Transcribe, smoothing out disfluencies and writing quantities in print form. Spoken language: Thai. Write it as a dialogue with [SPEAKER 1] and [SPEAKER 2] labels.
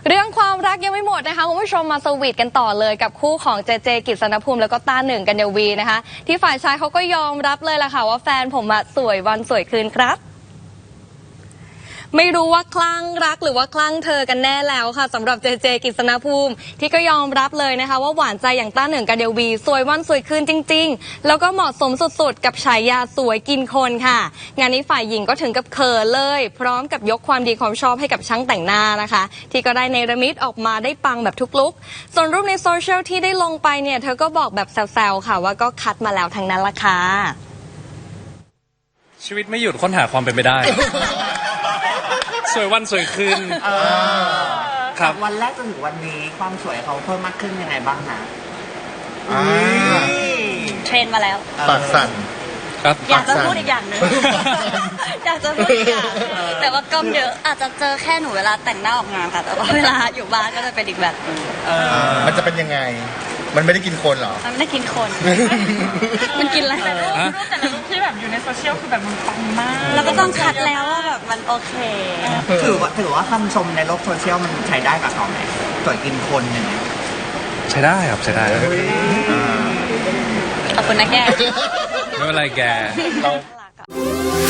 [SPEAKER 1] เรื่องความรักยังไม่หมดนะคะคุณผู้ชมมาสวีทกันต่อเลยกับคู่ของเจเจกิษณภูมิแล้วก็ต้าหนึ่งกัญญวีนะคะที่ฝ่ายชายเขาก็ยอมรับเลยล่ะค่ะว่าแฟนผมสวยวันสวยคืนครับไม่รู้ว่าคลั่งรักหรือว่าคลั่งเธอกันแน่แล้วค่ะสำหรับเจเจกิษณภูมิที่ก็ยอมรับเลยนะคะว่าหวานใจอย่างต้าหนึ่งกัญญวีสวยวันสวยคืนจริงๆแล้วก็เหมาะสมสุดๆกับฉายาสวยกินคนค่ะงานนี้ฝ่ายหญิงก็ถึงกับเขินเลยพร้อมกับยกความดีความชอบให้กับช่างแต่งหน้านะคะที่ก็ได้เนรมิตออกมาได้ปังแบบทุกลุคส่วนรูปในโซเชียลที่ได้ลงไปเนี่ยเธอก็บอกแบบแซวๆค่ะว่าก็คัดมาแล้วทั้งนั้นละค่ะ
[SPEAKER 2] ชีวิตไม่หยุดค้นหาความเป็นไปได้ สวยวันสวยคืนครับ
[SPEAKER 3] วันแรกจนถึงวันนี้ความสวยเขาเพิ่มมากขึ้นยังไงบ้างคะ
[SPEAKER 4] เทรนมาแล้ว
[SPEAKER 5] ปากสั่น
[SPEAKER 2] ครับ
[SPEAKER 4] อยากจะพูดอีกอย่างหนึ่ง อยากจะพูดอีกอย่างแต่ว่ากล้องเยอะอาจจะเจอแค่หนูเวลาแต่งหน้าออกงานค่ะแต่ว่าเวลาอยู่บ้านก็จะเป็นอีกแบบนึง
[SPEAKER 5] มันจะเป็นยังไงมันไม่ได้กินคนหรอ
[SPEAKER 4] มันไม่ได้กินคน มันกินอะไร
[SPEAKER 6] แต่ละรูปที่แบบอยู่ในโซเชียลคือแบบมันปังมาก
[SPEAKER 4] แล้วก็ต้องคัดแล้วว่าแบบมันโอเค
[SPEAKER 3] ถือว่าคำชมในโลกโซเชียลมันใช้ได้กับเขาไหมสวยกินคนอย่างเงี้ย
[SPEAKER 2] ใช้ได้ครับใช้ได้
[SPEAKER 4] ขอบคุณนะแก
[SPEAKER 2] ไม่เป็นไรแก